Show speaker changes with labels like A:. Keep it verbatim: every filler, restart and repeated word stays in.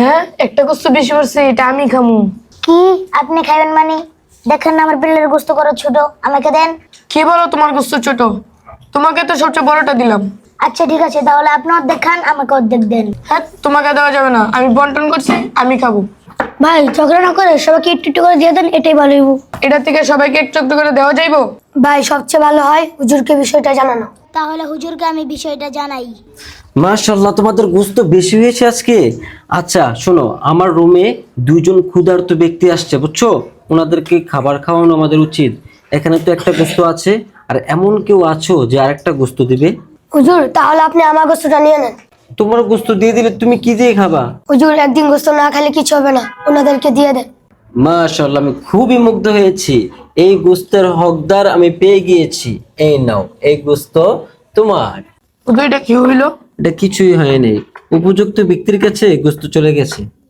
A: হ্যাঁ, একটা গোস্ত বেশি পড়ছে, এটা আমি খামু।
B: কি আপনি খাবেন মানে? দেখেন না আমার বিলের গোস্ত করা ছোট, আমাকে দেন।
A: কি বলো তোমার গোস্ত ছোট? তোমাকে তো সবচেয়ে বড়টা দিলাম।
B: আচ্ছা ঠিক আছে, তাহলে আপনি অর্ধেক খান, আমাকে অর্ধেক দেন।
A: হ্যাঁ, তোমাকে দেওয়া যাবে না, আমি বন্টন করছি, আমি খাবো।
B: ভাই ঝগড়া না করে সবাইকে একটু একটু করে দিয়ে দেন, এটাই ভালো হইব।
A: এটা থেকে সবাইকে একটু একটু করে দেওয়া যাইবো?
B: ভাই সবচেয়ে ভালো হয় হুজুরকে বিষয়টা জানানো। তাহলে হুজুরকে আমি বিষয়টা জানাই।
C: মাশাআল্লাহ, তোমাদের গোস্ত বেশি হয়েছে আজকে। আচ্ছা শোনো, আমার রুমে দুইজন ক্ষুধার্ত ব্যক্তি আসছে, বুঝছো? ওনাদেরকে খাবার খাওয়ানো আমাদের উচিত। এখানে তো একটা গোস্ত আছে, আর এমন কেউ আছো যে আরেকটা গোস্ত দিবে?
B: হুজুর তাহলে আপনি আমার গোস্তটা নিয়ে নেন।
C: তোমার গোস্ত দিয়ে দিলে তুমি কি দিয়ে খাবা?
B: হুজুর একদিন গোস্ত না খেলে কিছু হবে না, ওনাদেরকে দিয়ে দেন।
C: মাশাআল্লাহ, আমি খুবই মুগ্ধ হয়েছি। এই গোস্তের হকদার আমি পেয়ে গিয়েছি। এই নাও, এই গোস্ত তোমার।
A: ওকে, এটা কি হইলো?
C: এটা কিছুই হয়নি, উপযুক্ত ব্যক্তির কাছে গোস্ত চলে গেছে।